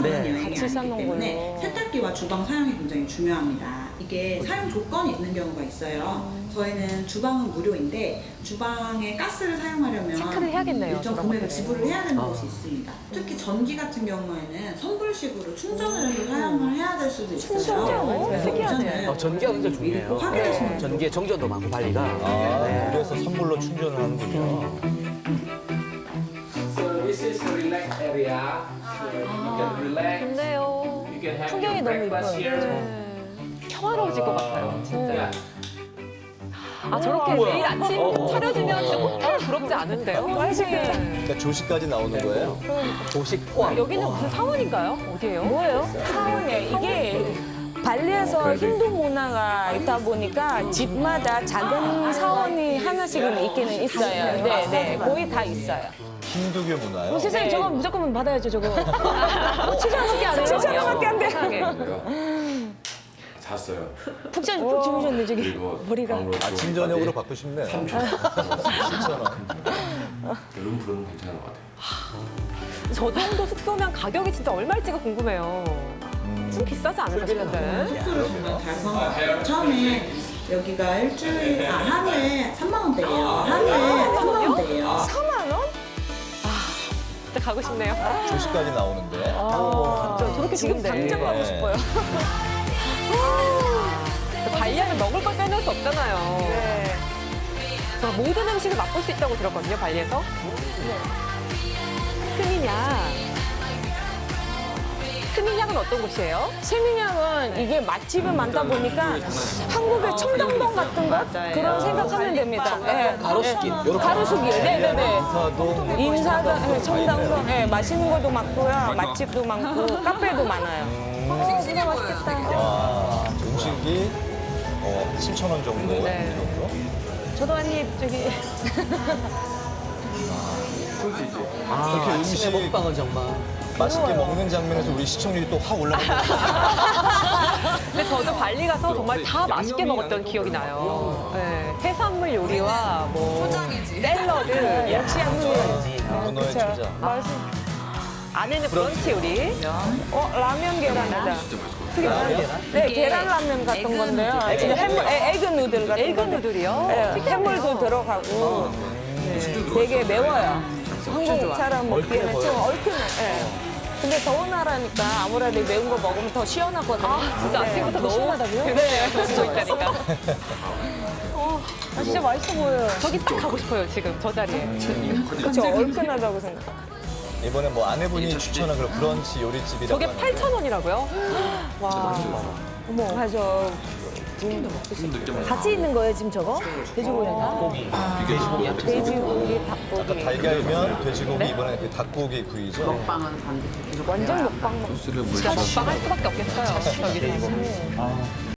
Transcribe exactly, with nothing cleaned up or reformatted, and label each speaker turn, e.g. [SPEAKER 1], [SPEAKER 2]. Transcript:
[SPEAKER 1] 네.
[SPEAKER 2] 여행이
[SPEAKER 3] 같이
[SPEAKER 2] 아니기
[SPEAKER 3] 싸는군요.
[SPEAKER 2] 때문에 세탁기와 주방 사용이 굉장히 중요합니다. 이게 사용 조건이 있는 경우가 있어요. 저희는 주방은 무료인데 주방에 가스를 사용하려면
[SPEAKER 4] 체크를 해야겠네요,
[SPEAKER 2] 일정
[SPEAKER 4] 저런
[SPEAKER 2] 금액을
[SPEAKER 4] 것들은.
[SPEAKER 2] 지불을 해야 되는
[SPEAKER 1] 아.
[SPEAKER 2] 곳이 있습니다. 특히 전기 같은 경우에는 선불식으로 충전을 해서 사용을 해야 될 수도 있어요.
[SPEAKER 3] 충전이요?
[SPEAKER 2] 그래서
[SPEAKER 4] 특이하네.
[SPEAKER 2] 우선은
[SPEAKER 1] 어, 전기가 굉장히
[SPEAKER 2] 미리
[SPEAKER 1] 중요해요.
[SPEAKER 2] 꼭 확인하시면 돼요.
[SPEAKER 1] 전기에 정전도 많고 관리가.
[SPEAKER 5] 아,
[SPEAKER 1] 네.
[SPEAKER 5] 그래서 선불로 충전을 하는군요.
[SPEAKER 6] So this is a relax area. So you can relax.
[SPEAKER 4] 좋네요.
[SPEAKER 6] You can have
[SPEAKER 3] 풍경이
[SPEAKER 6] your
[SPEAKER 3] 너무
[SPEAKER 6] breakfast
[SPEAKER 3] 이뻐요.
[SPEAKER 6] here.
[SPEAKER 4] 네. 평화로워질 것 같아요, 진짜.
[SPEAKER 6] Yeah.
[SPEAKER 4] 아, 저렇게
[SPEAKER 1] 뭐야?
[SPEAKER 4] 매일 아침
[SPEAKER 1] 어.
[SPEAKER 4] 차려주면 진짜 호텔 부럽지 않은데요?
[SPEAKER 3] 맛있겠다.
[SPEAKER 5] 그러니까 조식까지 나오는 거예요.
[SPEAKER 1] 조식 포함.
[SPEAKER 4] 여기는 무슨 사원인가요? 어디예요?
[SPEAKER 3] 뭐예요? 사원이에요. 이게 발리에서 힌두 문화가 있다 보니까 집마다 작은 사원이 하나씩은 있기는 있어요. 네, 네. 거의 다 있어요.
[SPEAKER 5] 힌두교 문화요.
[SPEAKER 3] 어, 세상에 저거 무조건 받아야죠, 저거. 칠천 원밖에 안 돼요. 칠천 원밖에 안 돼요.
[SPEAKER 7] 잤어요.
[SPEAKER 3] 푹, 자, 푹 주무셨네, 저기.
[SPEAKER 7] 그리고
[SPEAKER 3] 머리가.
[SPEAKER 7] 방으로
[SPEAKER 5] 아침
[SPEAKER 7] 들어갈
[SPEAKER 5] 저녁으로
[SPEAKER 7] 때
[SPEAKER 5] 받고 싶네요.
[SPEAKER 7] 삼천 원.
[SPEAKER 5] 칠천 원.
[SPEAKER 7] 룸 부르면 괜찮은 것 같아요.
[SPEAKER 4] 저 정도 숙소면 가격이 진짜 얼마일지가 궁금해요. 좀 비싸지 않을까 싶은데.
[SPEAKER 2] 숙소를 정말 잘 구한 처음에 여기가 일주일, 아, 하루에 삼만 원대예요. 하루에 삼만 원대예요.
[SPEAKER 3] 사만 원?
[SPEAKER 4] 진짜 가고 싶네요.
[SPEAKER 5] 조식까지 나오는데.
[SPEAKER 3] 아,
[SPEAKER 4] 저- 저렇게
[SPEAKER 3] 지금
[SPEAKER 4] 좋은데.
[SPEAKER 3] 당장 가고
[SPEAKER 5] 네.
[SPEAKER 3] 싶어요.
[SPEAKER 4] 발리하면 먹을 걸 빼놓을 수 없잖아요.
[SPEAKER 3] 네.
[SPEAKER 4] 저 모든 음식을 맛볼 수 있다고 들었거든요, 발리에서. 스미냥. 스미냥은 어떤 곳이에요?
[SPEAKER 3] 세미냥은 이게 맛집이 많다 보니까 한국의 청담동 같은 거 그런 생각하면 됩니다. 네.
[SPEAKER 1] 가로수길. 요렇게.
[SPEAKER 3] 가로수길. 네네네.
[SPEAKER 5] 인사동.
[SPEAKER 3] 인사동, 네, 청담동, 네, 맛있는 것도 많고요. 맛집도 많고, 카페도 많아요. 아, 진짜 맛있겠다.
[SPEAKER 5] 와, 음식이 어, 칠천 원 정도.
[SPEAKER 4] 네.
[SPEAKER 5] 이 정도?
[SPEAKER 3] 저도 한 입 저기.
[SPEAKER 1] 아,
[SPEAKER 5] 이렇게
[SPEAKER 1] 아침에
[SPEAKER 5] 음식-
[SPEAKER 1] 먹방은 정말.
[SPEAKER 5] 맛있게 먹는 장면에서 우리 시청률이 또 확 올라가는 거
[SPEAKER 4] 근데 저도 발리 가서 정말 다 맛있게 먹었던 기억이 나요. 네, 해산물 요리와 뭐 샐러드,
[SPEAKER 3] 역시 한국이에요.
[SPEAKER 5] 문어의
[SPEAKER 3] 그쵸.
[SPEAKER 5] 초자.
[SPEAKER 3] 맛있.
[SPEAKER 4] 안에는 브런치 요리.
[SPEAKER 3] 어, 라면 계란이다.
[SPEAKER 5] 라면?
[SPEAKER 3] 네, 계란 라면 같은 건데요. 지금 해물, 에, 에그 누들 같은
[SPEAKER 4] 에그
[SPEAKER 3] 건데.
[SPEAKER 4] 누들이요?
[SPEAKER 3] 네, 해물도 들어가고 네, 되게 매워요. 한국 사람 먹기에는 좀 얼큰해. 네. 근데 더운 나라니까 아무래도 매운 거 먹으면 더 시원하거든요.
[SPEAKER 4] 아, 진짜
[SPEAKER 3] 네,
[SPEAKER 4] 아침부터
[SPEAKER 3] 더
[SPEAKER 4] 너무
[SPEAKER 3] 시원하다고요?
[SPEAKER 4] 네, 더 있다니까.
[SPEAKER 3] 아, 진짜 맛있어 보여요.
[SPEAKER 4] 저기 딱 가고 싶어요, 지금 저 자리에.
[SPEAKER 3] 그쵸, 얼큰하다고 생각.
[SPEAKER 5] 이번에 뭐 아내분이 추천한 그런 브런치 요리집이라고
[SPEAKER 4] 저게
[SPEAKER 5] 하는데
[SPEAKER 4] 팔천 원이라고요? 와.
[SPEAKER 3] 어머, 맞아. 같이 있는 거예요, 지금 저거? 돼지고기가?
[SPEAKER 1] 고기.
[SPEAKER 3] 돼지고기,
[SPEAKER 5] 아까
[SPEAKER 3] 닭고기.
[SPEAKER 5] 달걀면 돼지고기 이번에 그 닭고기 구이죠.
[SPEAKER 3] 완전 먹방 먹
[SPEAKER 4] 진짜 먹방 할 수밖에 없겠어요, 여기서.